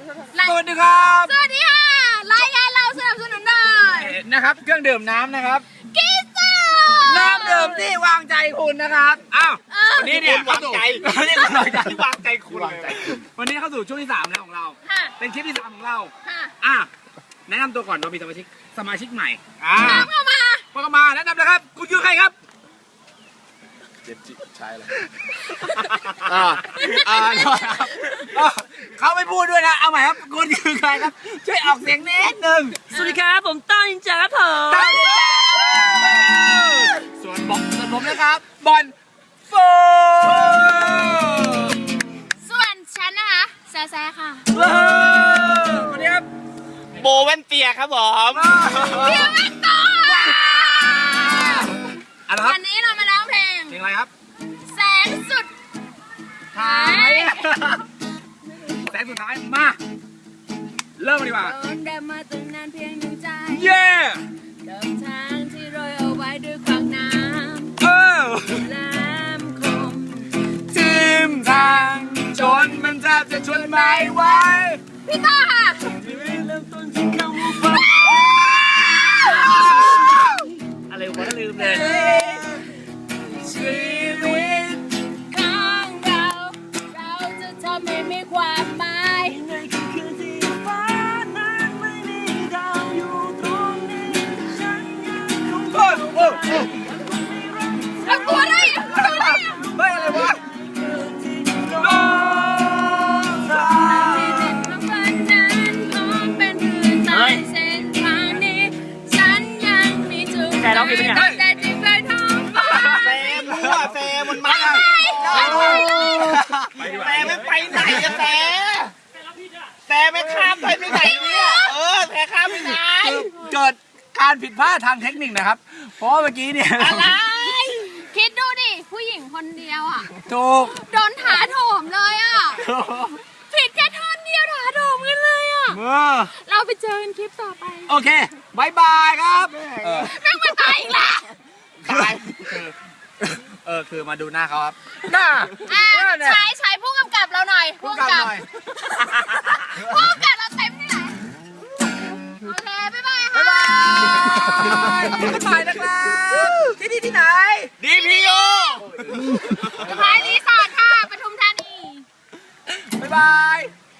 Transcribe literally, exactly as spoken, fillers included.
สวัสดีครับสวัสดีค่ะรายการเราสนับสนุนโดยนะครับเครื่องดื่มน้ำนะครับกิซ่าน้ำดื่มที่วางใจคุณนะครับอ้าววันนี้เนี่ยเข้าสู่วันนี้วางใจวางใจคุณวันนี้เข้าสู่ช่วงที่สามแล้วของเราค่ะเป็นคลิปที่สามของเราค่ะอ่ะแนะนำตัวก่อนเรามีสมาชิกสมาชิกใหม่อ่าน้ำเข้ามาพอเข้ามาแนะนำเลยครับคุณคือใครครับเจ็บจิตใช่เลยอ่าอ่าเขาไม่พูดด้วยนะเอาใหม่ครับคุณคือใครครับช่วยออกเสียงนิดนึงสวัสดีครับผมต้นจ้าครับผมตั้งใจส่วนบอกส่วนผมนะครับบอลโฟส่วนฉันนะคะแซ่แซ่ค่ะสวัสดีครับโบเวนเตียครับผมเพียงไม่ต่ออะไรครับวันนี้เรามาร้องเพลงเพลงอะไรครับแสงสุดท้ายแสงสุดท้ายมาเริ่มกันดีกว่าโดนเดินมาตั้งนานเพียงหนึ่งใจเย้เดินทางที่โรยเอาไว้ด้วยขวางน้เออำน้ำคมทิมทางจนมันแทบจะชวนไม่ไหวพี่ต่อค่ะอะไรวะลืมเลยชีวิตของเรา เราจะทำให้มีความหมายในคืนคืนที่ฟ้านั้นไม่มีดาวอยู่ตรงนี้ฉันยังคงโอ้โอ้โอ้เอาตัวได้เอาตัวได้เฮ้ยอะไรวะที่โน้ตาที่เด็ดมาฝันนั้นพร้อมเป็นเพื่อนตายเส้นทางนี้ ฉันยังมีจุดหมายแต่ที่เคยท้องฟ้าแฟมรั่วแฟมมันมาแฟไม่ไปไหนอะแฟแฟไม่ข้ามไปไม่ไหนเนี่ยเออแฟข้ามไปไหนเกิดการผิดพลาดทางเทคนิคนะครับ เพราะว่าเมื่อกี้เนี่ยอะไรคิดดูดิ ผู้หญิงคนเดียวอ่ะถูกโดนถาโถมเลยอ่ะ ผิดแค่ท่อนเดียวถาโถมกันเลยอ่ะเออเราไปเจอกันคลิปต่อไปโอเคบายบายครับเออแม่งมาตายอีกแล้วตายคือเออคือมาดูหน้าเขาครับหน้าอ่ะหน้าเนี่ยใช้ใช้ผู้กำกับเราหน่อยพูดกันหน่อยผู้กำกับเราเต็มที่ไหนโอเค บ๊ายบายค่ะบ๊ายบายบ๊ายบายนะครับที่นี่ที่ไหนดีพีโอสะพายรีสอร์ทค่ะปทุมธานีบ๊ายบาย